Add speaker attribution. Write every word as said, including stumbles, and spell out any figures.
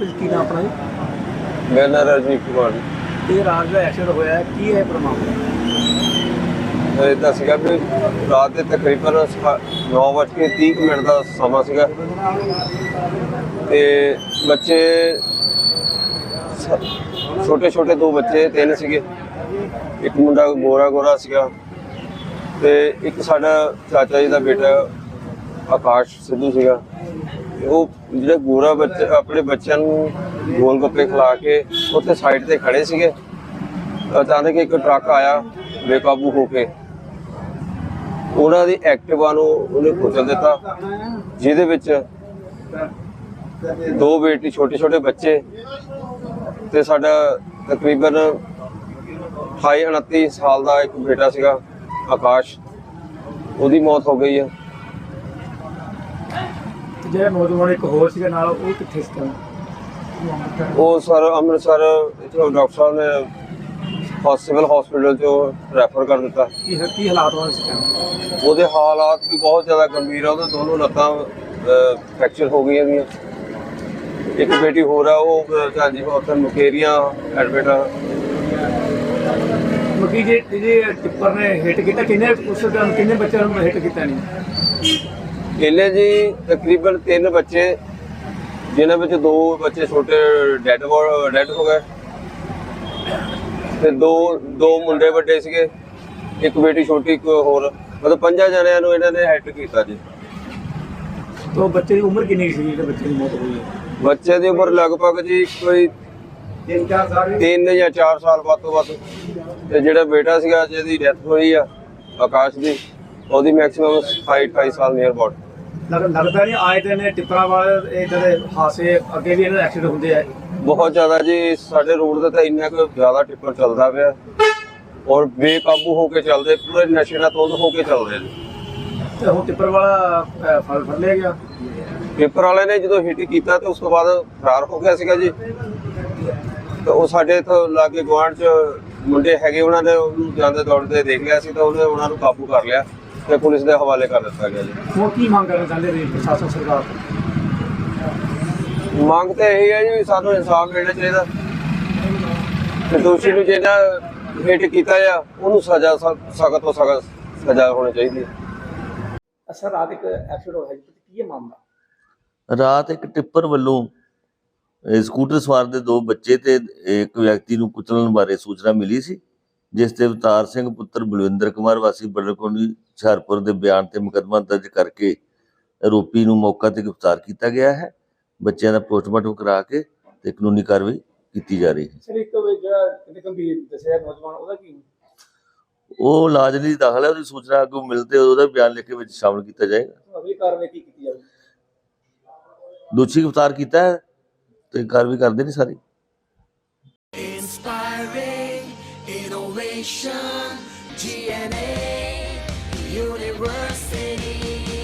Speaker 1: हरप्रीत की नाम अपना जी?
Speaker 2: मेरा नाम राजवीर कुमार जी।
Speaker 1: ये रात का एक्सीडेंट होया है की है पूरा मामला?
Speaker 2: इदा सीगा भी रात के तकरीबन नौ बज के तीह कुछ मिनट का समा सीगा ते बच्चे छोटे छोटे दो बच्चे तीन सीगे, एक मुंडा गोरा गोरा सीगा ते एक साडा चाचा जी का बेटा आकाश सिद्धू सीगा। वो जो गोरा बच्चे अपने बच्चों को गोल गप्पे खिला के उत्थे साइड ते खड़े सीगे। अचानक एक ट्रक आया बेकाबू होके उन्हां दी एक्टिवा नूं उन्हें कुचल दिता, जिहदे विच दो बेटी छोटे छोटे बच्चे ते साडा तकरीबन अठाई उनती साल का एक बेटा सीगा आकाश, उहदी मौत हो गई है।
Speaker 1: ਜਿਹੜਾ ਨੌਜਵਾਨ ਇੱਕ ਹੋਰ ਸੀਗਾ ਨਾਲ ਉਹ ਕਿੱਥੇ ਸੀ?
Speaker 2: ਉਹ ਸਰ ਅੰਮ੍ਰਿਤਸਰ ਇੱਥੋਂ ਡਾਕਟਰ ਸਾਹਿਬ ਨੇ ਸਿਵਲ ਹਸਪੀਟਲ ਚੋਂ ਰੈਫਰ ਕਰ ਦਿੱਤਾ।
Speaker 1: ਕੀ ਕੀ ਹਾਲਾਤ ਹੋਏ ਸੀ?
Speaker 2: ਉਹਦੇ ਹਾਲਾਤ ਵੀ ਬਹੁਤ ਜ਼ਿਆਦਾ ਗੰਭੀਰ ਆ, ਉਹਦੇ ਦੋਨੋਂ ਲੱਤਾਂ ਫ੍ਰੈਕਚਰ ਹੋ ਗਈਆਂ ਗਈਆਂ। ਇੱਕ ਬੇਟੀ ਹੋਰ ਆ ਉਹ ਹਾਂਜੀ ਉੱਥੇ ਮੁਕੇਰੀਆਂ ਐਡਮਿਟ ਆ।
Speaker 1: ਮੱਕੀ ਜੇ ਜੇ ਟਿੱਪਰ ਨੇ ਹਿੱਟ ਕੀਤਾ ਕਿੰਨੇ ਉਸ ਟਾਈਮ ਕਿੰਨੇ ਬੱਚਿਆਂ ਨੂੰ ਹਿੱਟ ਕੀਤਾ ਨਹੀਂ?
Speaker 2: ਇਹਨੇ ਜੀ ਤਕਰੀਬਨ ਤਿੰਨ ਬੱਚੇ, ਜਿਨ੍ਹਾਂ ਵਿੱਚ ਦੋ ਬੱਚੇ ਛੋਟੇ ਡੈਡ ਡੈਡ ਹੋ ਗਏ ਤੇ ਦੋ ਦੋ ਮੁੰਡੇ ਵੱਡੇ ਸੀਗੇ, ਇੱਕ ਬੇਟੀ ਛੋਟੀ ਇੱਕ ਹੋਰ, ਮਤਲਬ ਪੰਜਾਂ ਜਣਿਆਂ ਨੂੰ ਇਹਨਾਂ ਨੇ ਹਿੱਟ ਕੀਤਾ ਜੀ।
Speaker 1: तो बच्चे की उम्र कितनी सी जो बच्चे की मौत हुई है?
Speaker 2: ਬੱਚੇ ਦੀ ਉਮਰ ਲਗਭਗ ਜੀ ਕੋਈ
Speaker 1: तीन चार साल
Speaker 2: ਤਿੰਨ ਜਾਂ ਚਾਰ ਸਾਲ ਵੱਧ ਤੋਂ ਵੱਧ। ਤੇ ਜਿਹੜਾ ਬੇਟਾ ਸੀਗਾ ਜਿਹਦੀ ਡੈਥ ਹੋਈ ਆ ਆਕਾਸ਼ ਦੀ, ਉਹਦੀ ਮੈਕਸਿਮਮ ਅਠਾਈ ਅਠਾਈ ਸਾਲ ਨੀਅਰ ਅਬਾਊਟ।
Speaker 1: लग, लगता नहीं आए दिन टिप्परा वाले इधर हादसे अगे भी इन्हें एक्सीडेंट होंगे है
Speaker 2: ਬਹੁਤ ਜ਼ਿਆਦਾ ਜੀ। ਸਾਡੇ ਰੋਡ ਤੇ ਤਾਂ ਇੰਨਾ ਕੁ ਜ਼ਿਆਦਾ ਟਿੱਪਰ ਚੱਲਦਾ ਪਿਆ ਔਰ ਬੇਕਾਬੂ ਹੋ ਕੇ ਚੱਲਦੇ, ਪੂਰੇ ਨਸ਼ੇ ਨਾਲ ਧੁੰਦ ਹੋ ਕੇ ਚੱਲਦੇ ਨੇ।
Speaker 1: ਤੇ ਹੁਣ ਟਿੱਪਰ ਵਾਲਾ ਫੜ ਫੜ ਲਿਆ ਗਿਆ।
Speaker 2: ਟਿੱਪਰ ਵਾਲੇ ਨੇ ਜਦੋਂ ਹਿੱਟ ਕੀਤਾ ਤੇ ਉਸ ਤੋਂ ਬਾਅਦ ਫਰਾਰ ਹੋ ਗਿਆ ਸੀਗਾ ਜੀ। ਤੇ ਉਹ ਸਾਡੇ ਇੱਥੋਂ ਲਾਗੇ ਗੁਆਂਢ 'ਚ ਮੁੰਡੇ ਹੈਗੇ, ਉਹਨਾਂ ਨੇ ਉਹਨੂੰ ਜਾਂਦੇ ਦੌੜਦੇ ਦੇਖ ਲਿਆ ਸੀ ਤਾਂ ਉਹਨੇ ਉਹਨਾਂ ਨੂੰ ਕਾਬੂ ਕਰ ਲਿਆ ਤੇ ਪੁਲਿਸ ਦੇ ਹਵਾਲੇ ਕਰ ਦਿੱਤਾ ਗਿਆ ਜੀ।
Speaker 1: ਹੁਣ ਕੀ ਮੰਗ ਕਰਨਾ ਚਾਹੁੰਦੇ ਨੇ ਪ੍ਰਸ਼ਾਸਨ ਸਰਕਾਰ ਤੋਂ?
Speaker 2: ਮੰਗ ਤਾਂ ਇਹੀ ਹੈ ਜੀ ਸਾਨੂੰ ਇਨਸਾਫ ਮਿਲਣਾ ਚਾਹੀਦਾ ਤੇ ਦੋਸ਼ੀ ਨੂੰ ਜਿਹੜਾ ਹਿੱਟ ਕੀਤਾ ਆ ਉਹਨੂੰ ਸਜ਼ਾ ਸਖਤ ਤੋਂ ਸਖਤ ਸਜ਼ਾ ਹੋਣੀ ਚਾਹੀਦੀ ਹੈ।
Speaker 1: ਸਰ ਰਾਤ ਇੱਕ ਐਕਸੀਡੈਂਟ ਹੋਇਆ ਜੀ, ਕੀ ਹੈ ਮਾਮਲਾ?
Speaker 3: ਰਾਤ ਇੱਕ ਟਿੱਪਰ ਵੱਲੋਂ ਅਹ ਸਕੂਟਰ ਸਵਾਰ ਦੇ ਦੋ ਬੱਚੇ ਤੇ ਇੱਕ ਵਿਅਕਤੀ ਨੂੰ ਕੁਚਲਣ ਬਾਰੇ ਸੂਚਨਾ ਮਿਲੀ ਸੀ, ਜਿਸ ਤੇ ਅਵਤਾਰ ਸਿੰਘ ਪੁੱਤਰ ਬਲਵਿੰਦਰ ਕੁਮਾਰ ਵਾਸੀ ਬੜਕੋਣੀ ਹੁਸ਼ਿਆਰਪੁਰ ਦੇ ਬਿਆਨ ਤੇ ਮੁਕੱਦਮਾ ਦਰਜ ਕਰਕੇ ਆਰੋਪੀ ਨੂੰ ਮੌਕਾ ਤੇ ਗ੍ਰਿਫਤਾਰ ਕੀਤਾ ਗਿਆ ਹੈ। ਬੱਚਿਆਂ ਦਾ ਪੋਸਟਮਾਰਟਮ ਕਰਾ ਕੇ ਤੇ ਕਾਨੂੰਨੀ ਕਾਰਵਾਈ ਕੀਤੀ ਜਾ ਰਹੀ ਹੈ।
Speaker 1: ਸਰ ਇੱਕ ਜਿਹੜਾ ਕਿਤੇ ਗੰਭੀਰ ਦੱਸਿਆ ਨੌਜਵਾਨ, ਉਹਦਾ ਕੀ?
Speaker 3: ਉਹ ਇਲਾਜ ਲਈ ਦਾਖਲ ਹੈ, ਉਹਦੀ ਸੂਚਨਾ ਅੱਗੋਂ ਮਿਲਦੇ ਉਹਦਾ ਬਿਆਨ ਲਿਖ ਕੇ ਵਿੱਚ ਸ਼ਾਮਲ ਕੀਤਾ ਜਾਏਗਾ।
Speaker 1: ਅਗਲੀ ਕਾਰਵਾਈ ਕੀ ਕੀਤੀ ਜਾਵੇ?
Speaker 3: ਦੋਸ਼ੀ ਗ੍ਰਿਫਤਾਰ ਕੀਤਾ ਹੈ ਤੇ ਕਾਰਵਾਈ ਕਰਦੇ ਨੇ ਸਾਰੀ।
Speaker 4: Inspiring innovation, G N A University.